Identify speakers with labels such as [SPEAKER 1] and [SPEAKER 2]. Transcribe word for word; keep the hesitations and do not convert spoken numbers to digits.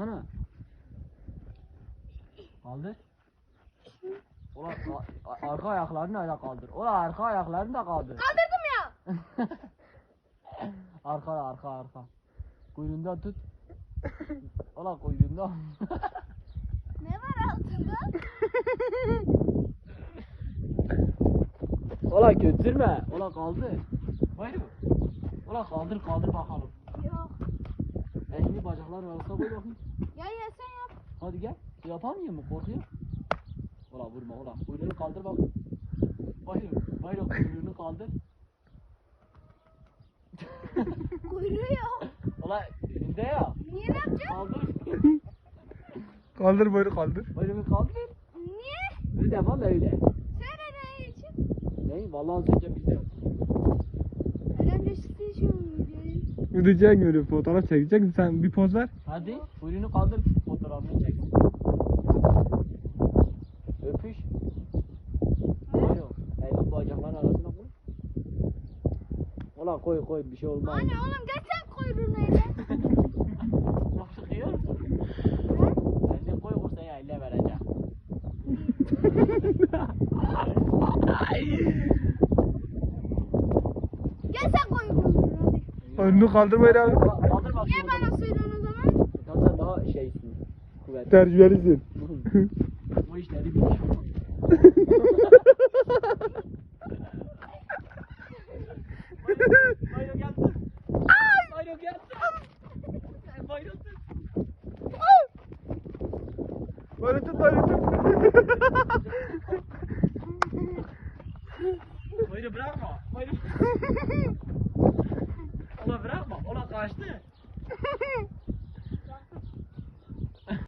[SPEAKER 1] kaldırsana. Kaldır. Ulan arka ayaklarını da kaldır. Ulan arka ayaklarını da kaldır.
[SPEAKER 2] Kaldırdım ya.
[SPEAKER 1] Arka arka arka. Kuyruğundan tut. Ulan kuyruğundan.
[SPEAKER 2] Ne var altında?
[SPEAKER 1] Ulan götürme. Ulan kaldır. Hayır. Ulan kaldır kaldır bakalım.
[SPEAKER 2] Yok.
[SPEAKER 1] Elini bacaklar arasına koy bakayım.
[SPEAKER 2] Ya ya sen yap.
[SPEAKER 1] Hadi gel. Yapamıyor mu? Korkuyor. Ulan vurma ulan. Kuyruğunu kaldır bakayım. Hayır. Hayır kuyruğunu kaldır.
[SPEAKER 2] Kuyruğu yok.
[SPEAKER 1] Ulan elinde ya.
[SPEAKER 2] Niye ne yapacağım?
[SPEAKER 1] Kaldır.
[SPEAKER 3] Kaldır boynu kaldır.
[SPEAKER 1] Kuyruğunu kaldır.
[SPEAKER 2] Niye?
[SPEAKER 1] Bir defa öyle.
[SPEAKER 2] Söyle ne için?
[SPEAKER 1] Ne? Vallahi az önce biz de yaptık.
[SPEAKER 2] Önemli işte şu videoyu.
[SPEAKER 3] Ödeyeceksin öyle fotoğraf çekeceksin. Sen bir poz ver.
[SPEAKER 1] Hadi kuyruğunu kaldır, fotoğrafını çek. Öpüş. Hayır, elini bacakların arasına koy. Ulan koy koy, bir şey olmaz.
[SPEAKER 2] Anne oğlum gel sen kuyruğunu ele.
[SPEAKER 1] Bak çıkıyor. Elini koy, o sana elle vereceğim.
[SPEAKER 2] Gel sen koy kuyruğunu hadi.
[SPEAKER 3] Önünü kaldır böyle abi.
[SPEAKER 1] Kaldır bakayım.
[SPEAKER 2] Niye bana söylüyorsun o zaman?
[SPEAKER 1] Sen daha şeysin, kuvvetli.
[SPEAKER 3] Tecrübelisin.
[SPEAKER 1] Bu işleri biliyor. Bayro geldi. Bayro geldi. Bayro tut.
[SPEAKER 3] Böyle tut böyle tut.
[SPEAKER 1] Bayro bırakma. Bayro. Ola bırakma. Ola kaçtı.